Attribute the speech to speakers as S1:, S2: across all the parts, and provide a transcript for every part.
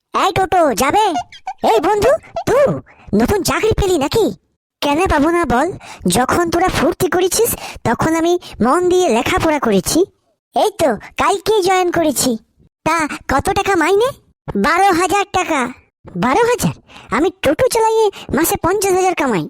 S1: এই টোটো যাবে? এই বন্ধু, তুই নতুন চাকরি পেলি নাকি? কেন পাবো না বল? যখন তোরা ফুর্তি করেছিস তখন আমি মন দিয়ে লেখাপড়া করেছি। এই তো কালকে জয়েন করেছি। তা কত টাকা মাইনে? 12,000 টাকা। 12,000? আমি টোটো চালাইয়ে মাসে 50,000 কামাই।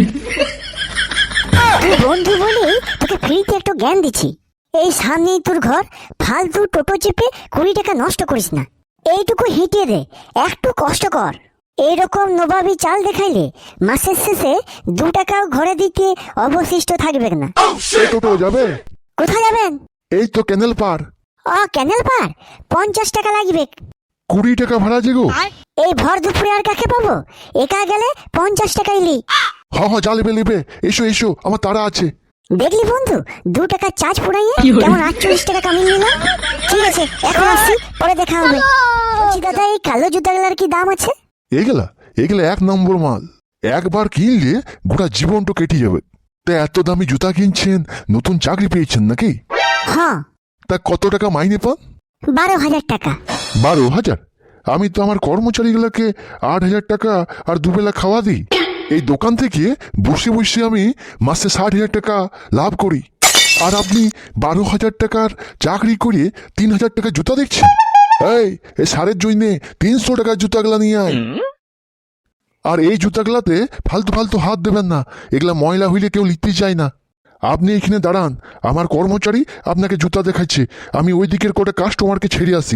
S1: তুই বন্ধু বলে তোকে ফ্রিতে একটু জ্ঞান দিচ্ছি। এই সামনেই তোর ঘর, ফালতু টোটো চেপে 20 টাকা নষ্ট করিস না। এইটুকু হেঁটে দে, একটু কষ্ট কর। এইরকম নবাবী চাল দেখাইলে মাসের শেষে 2 টাকাও ঘরে দিতে অবশিষ্ট থাকবে না।
S2: এই টোটো যাবে?
S1: কোথায় যাবেন?
S2: এই তো ক্যানেল পার।
S1: ক্যানেল পার? 50 টাকা লাগবে।
S2: 20 টাকা ভাড়া যে গো।
S1: এই ভর দুপুরে আর কাকে পাবো? একা গেলে 50 টাকা ইলি।
S2: হ্যাঁ যা লিবে লিবে, এসো এসো, আমার তাড়া আছে।
S1: দেখলি বন্ধু, 2 টাকা চার্জ পুরাইয়ে কেমন 48 টাকা কামিয়ে নিলাম। ঠিক আছে, এখন আসছি, পরে দেখা হবে। বলছি দাদা, এই কালো জুতাগুলার কি দাম আছে?
S2: এগুলা এগুলা 1 নম্বর মাল। একবার কিনলে গোটা জীবনটা কেটে যাবে। তা এত দামি জুতা কিনছেন, নতুন চাকরি পেয়েছেন নাকি?
S1: হ্যাঁ।
S2: তা কত টাকা মাইনে পান?
S1: 12,000 টাকা।
S2: 12,000? আমি তো আমার কর্মচারীগুলোকে 8,000 টাকা আর দুবেলা খাওয়া দিই। এই দোকান থেকে বসে বসে আমি মাসে 60,000 টাকা লাভ করি, আর আপনি 12,000 টাকার চাকরি করে 3,000 টাকা জুতা দেখছেন। এই সারের জন্য 300 টাকার জুতাগুলা নিয়ে আয়। আর এই জুতাগুলাতে ফালতু ফালতু হাত দেবেন না, এগুলা ময়লা হইলে কেউ লিখতে চায় না। আপনি এখানে দাঁড়ান, আমার কর্মচারী আপনাকে জুতা দেখাচ্ছে, আমি ওই দিকের কোটা কাস্টমারকে ছেড়ে আসি।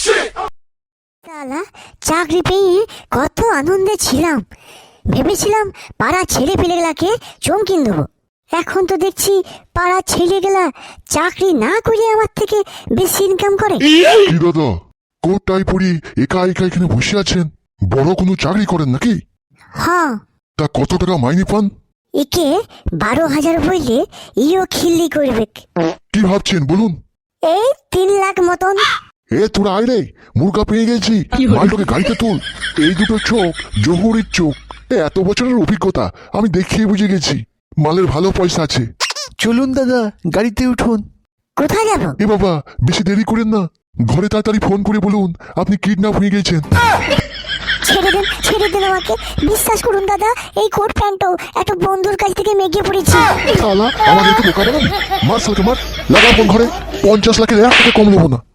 S1: শালা, চাকরি পেয়ে কত আনন্দে ছিলাম। ভেবেছিলাম পাড়া ছেলে পেলেগুলাকে চমকিন দেবো। এখন তো দেখছি পাড়া ছেলেগুলা চাকরি না করে আমার থেকে বেশি ইনকাম করে।
S2: কি দাদা, কোটটাই পরি একা একা এখানে বসে আছেন? বড় কোনো চাকরি করেন নাকি?
S1: হ্যাঁ।
S2: তা কত টাকা মাইনে পান?
S1: একে 12,000 বললে ইও খিল্লি করবে।
S2: কি ভাবছেন বলুন?
S1: এই 3 লাখ মতন।
S2: এ তোরা আয় রে, মুরগা পেয়ে গেছি, মালটাকে গাড়িতে তুল। এই দুটো চোখ জহুরির চোখ। এত বছরের অভিজ্ঞতা, আমি দেখিয়ে বুঝে গেছি মালের ভালো পয়সা আছে।
S3: চলুন দাদা, গাড়িতে উঠুন।
S1: কোথায় যাবো?
S2: এ বাবা, বেশি দেরি করেন না, ঘরে তাড়াতাড়ি ফোন করে বলুন আপনি কিডন্যাপ হয়ে গেছেন।
S1: ছেড়ে দেন আমাকে। বিশ্বাস করুন দাদা, এই কোট প্যান্টও একটা বন্ধুর কাছ থেকে মেঘে পড়েছি।
S2: শালা আমাদেরকে বোকা বানান। মার শালাকে মার, লাগা ফোন ঘরে। 50 লাখের 1 টাকা কম নেবো না।